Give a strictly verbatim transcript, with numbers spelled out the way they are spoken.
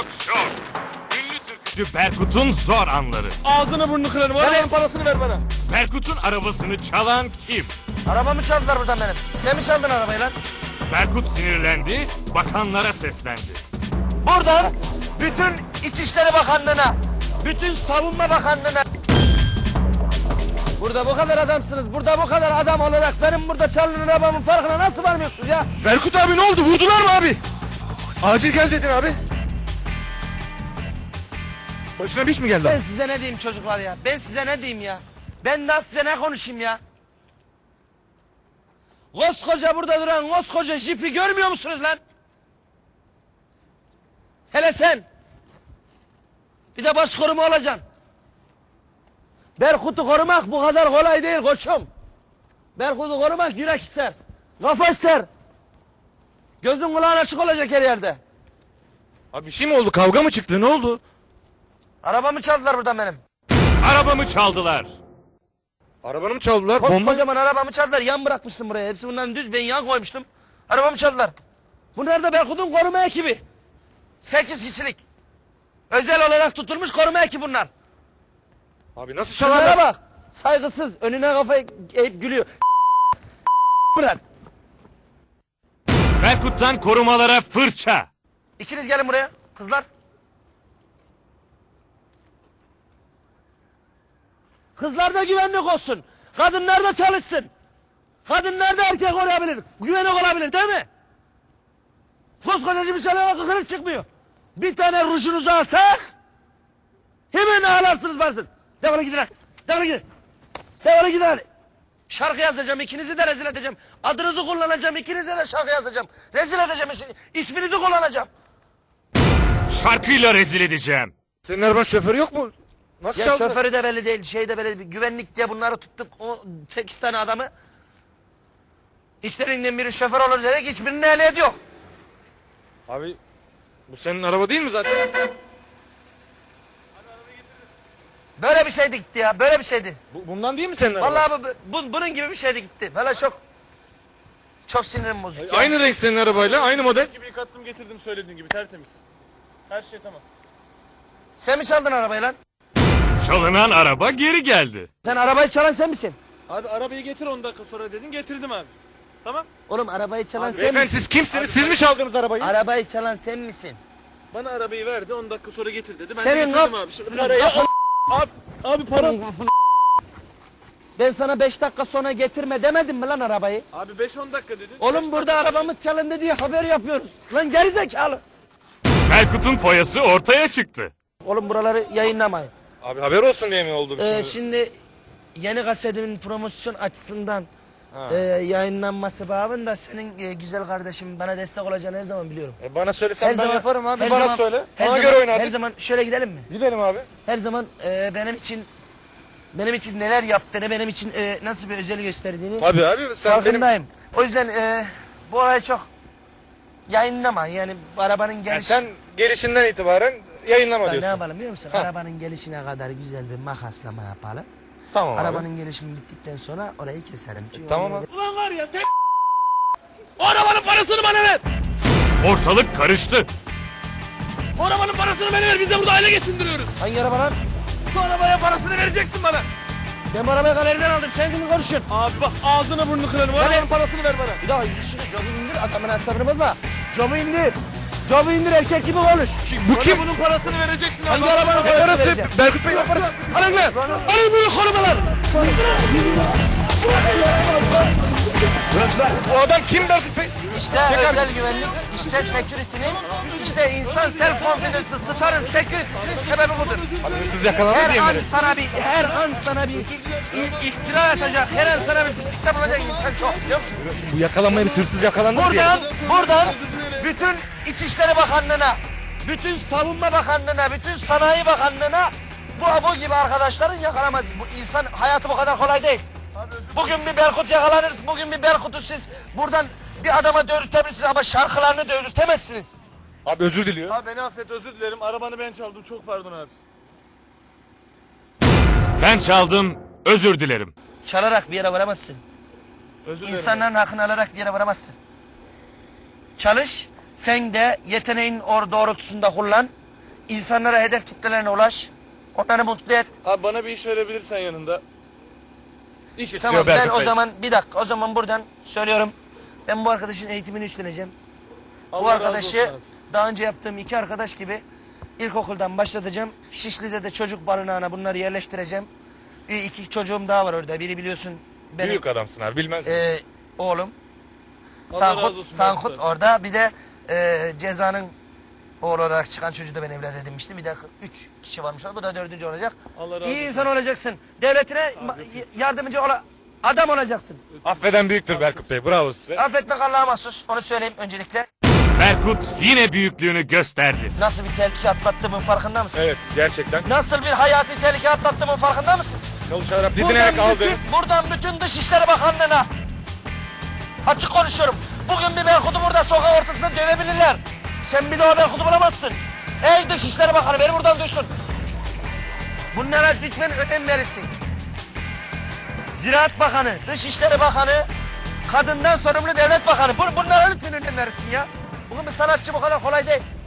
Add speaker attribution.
Speaker 1: Şok şok. Ünlü türkücü Berkut'un zor anları.
Speaker 2: Ağzını burnunu kırarım. Arabanın parasını ver bana.
Speaker 1: Berkut'un arabasını çalan kim?
Speaker 3: Arabamı çaldılar buradan benim. Sen mi çaldın arabayı lan?
Speaker 1: Berkut sinirlendi, bakanlara seslendi.
Speaker 3: Buradan bütün İçişleri Bakanlığı'na, bütün Savunma Bakanlığı'na... Burada bu kadar adamsınız, burada bu kadar adam olarak benim burada çalınan arabamın farkına nasıl varmıyorsunuz ya?
Speaker 4: Berkut abi ne oldu? Vurdular mı abi? Acil gel dedin abi. Başına bir iş mi geldi
Speaker 3: Ben
Speaker 4: abi?
Speaker 3: size ne diyeyim çocuklar ya? Ben size ne diyeyim ya? Ben daha size ne konuşayım ya? Koskoca burada duran koskoca jipi görmüyor musunuz lan? Hele sen. Bir de baş koruma olacaksın. Berkut'u korumak bu kadar kolay değil koçum. Berkut'u korumak yürek ister. Kafa ister. Gözün kulağın açık olacak her yerde.
Speaker 4: Abi bir şey mi oldu? Kavga mı çıktı? Ne oldu?
Speaker 3: Arabamı çaldılar buradan benim.
Speaker 1: Arabamı çaldılar.
Speaker 4: Arabanı mı çaldılar? Bomba.
Speaker 3: Kocaman arabamı çaldılar. Yan bırakmıştım buraya. Hepsi bunların düz. Ben yan koymuştum. Arabamı çaldılar. Bunlar da Berkut'un koruma ekibi. Sekiz kişilik. Özel olarak tutulmuş koruma ekibi bunlar.
Speaker 4: Abi nasıl
Speaker 3: Şunlara
Speaker 4: çalarlar?
Speaker 3: bak. Saygısız. Önüne kafayı eğip gülüyor. Bırak.
Speaker 1: Berkut'tan korumalara fırça.
Speaker 3: İkiniz gelin buraya. Kızlar. Kızlar da güvenlik olsun. Kadınlar da çalışsın. Kadınlar da erkek olabilir. Güvenlik olabilir değil mi? Koskoca bir çalana kıkırık çıkmıyor. Bir tane rujunuzu alsak hemen ağlarsınız varsın. Defolun gidin lan. Defolun gidin. Defolun gidin hadi. Şarkı yazacağım, ikinizi de rezil edeceğim. Adınızı kullanacağım, ikinize de şarkı yazacağım. Rezil edeceğim, isminizi kullanacağım.
Speaker 1: Şarkıyla rezil edeceğim.
Speaker 4: Senin arabanın şoförü yok mu? Nasıl
Speaker 3: Ya
Speaker 4: çaldılar?
Speaker 3: şoförü de belli değil, şey de belli değil. Güvenlik diye bunları tuttuk, o sekiz tane adamı. İşlerinden biri şoför olur dedik, hiçbirinin ehliyeti yok.
Speaker 4: Abi bu senin araba değil mi zaten?
Speaker 3: Böyle bir şeydi gitti ya, böyle bir şeydi.
Speaker 4: Bu, bundan değil mi senin araba?
Speaker 3: Vallahi bu, bu- bunun gibi bir şeydi gitti. Böyle çok, çok sinirim bozuk. ya.
Speaker 4: Aynı renk senin arabayla, aynı model.
Speaker 2: Gibi yıkattım getirdim söylediğin gibi tertemiz. Her şey tamam.
Speaker 3: Sen mi çaldın arabayı lan?
Speaker 1: Çalınan araba geri geldi.
Speaker 3: Sen arabayı çalan sen misin?
Speaker 2: Abi arabayı getir on dakika sonra dedin getirdim abi. Tamam.
Speaker 3: Oğlum arabayı çalan sen
Speaker 4: Beyefendi
Speaker 3: misin?
Speaker 4: siz kimsiniz? Siz mi çaldınız arabayı?
Speaker 3: Arabayı çalan sen misin?
Speaker 2: Bana arabayı verdi on dakika sonra getir dedi. Ben
Speaker 3: Senin
Speaker 2: de getirdim
Speaker 3: kaf-
Speaker 2: abi. Şimdi parayı al. Abi, abi para.
Speaker 3: Ben sana beş dakika sonra getirme demedim mi lan arabayı?
Speaker 2: Abi beş on dakika dedin.
Speaker 3: Oğlum burada arabamız çalındı diye haber yapıyoruz. Lan gerizekalı.
Speaker 1: Berkut'un foyası ortaya çıktı.
Speaker 3: Oğlum buraları yayınlamayın.
Speaker 4: Abi haber olsun diye mi oldu?
Speaker 3: Ee,
Speaker 4: şimdi?
Speaker 3: şimdi yeni kasetimin promosyon açısından e, yayınlanması babında senin e, güzel kardeşim bana destek olacağını her zaman biliyorum.
Speaker 4: E, bana söylesen ben yaparım abi.
Speaker 3: her
Speaker 4: Bana
Speaker 3: zaman-
Speaker 4: söyle.
Speaker 3: her
Speaker 4: Bana
Speaker 3: zaman-
Speaker 4: göre oynardık.
Speaker 3: Her zaman şöyle gidelim mi?
Speaker 4: Gidelim abi.
Speaker 3: Her zaman e, benim için benim için neler yaptığını, benim için e, nasıl bir özel gösterdiğini
Speaker 4: Abi abi sen benim...
Speaker 3: farkındayım. O yüzden e, bu olayı çok yayınlama. Yani bu arabanın
Speaker 4: Yani
Speaker 3: geliş...
Speaker 4: sen gelişinden itibaren yayınlama
Speaker 3: Bak, ne
Speaker 4: diyorsun.
Speaker 3: yapalım biliyor musun?
Speaker 4: Ha.
Speaker 3: Arabanın gelişine kadar güzel bir makaslama yapalım.
Speaker 4: Tamam abi.
Speaker 3: Arabanın gelişimi bittikten sonra orayı keserim. Çünkü
Speaker 4: Tamam
Speaker 3: oraya-
Speaker 4: abi.
Speaker 2: Ulan var ya sen. O arabanın parasını bana ver.
Speaker 1: Ortalık karıştı.
Speaker 2: O arabanın parasını bana ver. Biz de burada aile geçindiriyoruz.
Speaker 3: Hangi araba lan?
Speaker 2: Şu arabaya parasını vereceksin bana.
Speaker 3: Ben bu arabayı galeriden aldım. Sen kimi konuşuyorsun?
Speaker 2: Abi bak ağzını burnunu kırarım. O
Speaker 3: Ben-
Speaker 2: arabanın parasını ver bana.
Speaker 3: Bir daha şunu camı indir. Adamın asabını bozma. Camı indir. Camı indir erkek gibi konuş.
Speaker 4: Bu kim?
Speaker 2: Bunun parasını vereceksin.
Speaker 3: Hangi
Speaker 2: abi.
Speaker 3: arabanın
Speaker 4: Ne
Speaker 3: parasını
Speaker 4: parası?
Speaker 3: vereceğim?
Speaker 4: Berkut Bey ne parası?
Speaker 3: Alın lan. Alın bunu korumalar.
Speaker 4: Bu adam kim Berkut Bey?
Speaker 3: İşte özel güvenlik, işte security'nin, işte insan self confidence'ı, starın security'sinin sebebi budur.
Speaker 4: Abi hırsız yakalanır diye
Speaker 3: Her
Speaker 4: mi?
Speaker 3: an sana bir, her an sana bir i- iftira atacak, her an sana bir pislikte bulacak insan çok biliyor musun?
Speaker 4: Bu yakalanmaya bir hırsız yakalandı diye.
Speaker 3: Buradan, buradan bütün İçişleri Bakanlığı'na, bütün Savunma Bakanlığı'na, bütün Sanayi Bakanlığı'na bu abo gibi arkadaşların yakalamaz. Bu insan hayatı bu kadar kolay değil. Bugün bir Berkut yakalanır, bugün bir Berkut'u siz buradan bir adama dövürtebilirsiniz ama şarkılarını dövürtemezsiniz.
Speaker 4: Abi özür diliyor.
Speaker 2: Abi beni affet özür dilerim. Arabanı ben çaldım. Çok pardon abi.
Speaker 1: Ben çaldım, özür dilerim.
Speaker 3: Çalarak bir yere varamazsın.
Speaker 2: Özür dilerim.
Speaker 3: İnsanların hakkını alarak bir yere varamazsın. Çalış, sen de yeteneğin or doğrultusunda kullan. İnsanlara, hedef kitlelerine ulaş. Onları mutlu et.
Speaker 2: Abi bana bir iş verebilirsen yanında.
Speaker 1: İş istiyor
Speaker 3: Tamam ben
Speaker 1: Berkut
Speaker 3: o
Speaker 1: Bey.
Speaker 3: zaman bir dakika o zaman buradan söylüyorum. Ben bu arkadaşın eğitimini üstleneceğim. Bu
Speaker 2: Allah razı
Speaker 3: arkadaşı
Speaker 2: olsun abi.
Speaker 3: daha önce yaptığım iki arkadaş gibi ilkokuldan başlatacağım. Şişli'de de çocuk barınağına bunları yerleştireceğim. Bir iki çocuğum daha var orada. Biri biliyorsun benim
Speaker 1: Büyük adamsın abi bilmez misin?
Speaker 3: e, oğlum.
Speaker 2: Allah razı
Speaker 3: Tankut,
Speaker 2: olsun
Speaker 3: Tankut
Speaker 2: Berkut abi.
Speaker 3: orada. Bir de e, Ceza'nın oğlu olarak çıkan çocuğu da ben evlat edinmiştim. Bir de üç kişi varmış. Bu da dördüncü olacak.
Speaker 2: Allah razı
Speaker 3: İyi
Speaker 2: olsun.
Speaker 3: insan olacaksın. Devletine ma- yardımcı ola adam olacaksın.
Speaker 1: Affeden büyüktür Berkut Bey. Bravo size.
Speaker 3: Affetmek Allah'a mahsus. Onu söyleyeyim öncelikle.
Speaker 1: Berkut yine büyüklüğünü gösterdi.
Speaker 3: Nasıl bir tehlike atlattığımın farkında mısın?
Speaker 1: Evet gerçekten.
Speaker 3: Nasıl bir hayati tehlike atlattığımın farkında mısın?
Speaker 1: Çalışarak didinerek
Speaker 3: Buradan
Speaker 1: aldınız.
Speaker 3: bütün, buradan bütün Dışişleri Bakanlığı'na açık konuşuyorum. Bugün bir Berkut'u burada sokak ortasında dövebilirler. Sen bir daha Berkut'u bulamazsın. Ey Dışişleri Bakanı beni buradan duysun. Bunlara lütfen önem verirsin. Ziraat Bakanı, Dışişleri Bakanı, kadından sorumlu devlet bakanı. Bun- Bunlara lütfen önem verirsin ya. Bugün bir sanatçı bu kadar kolay değil.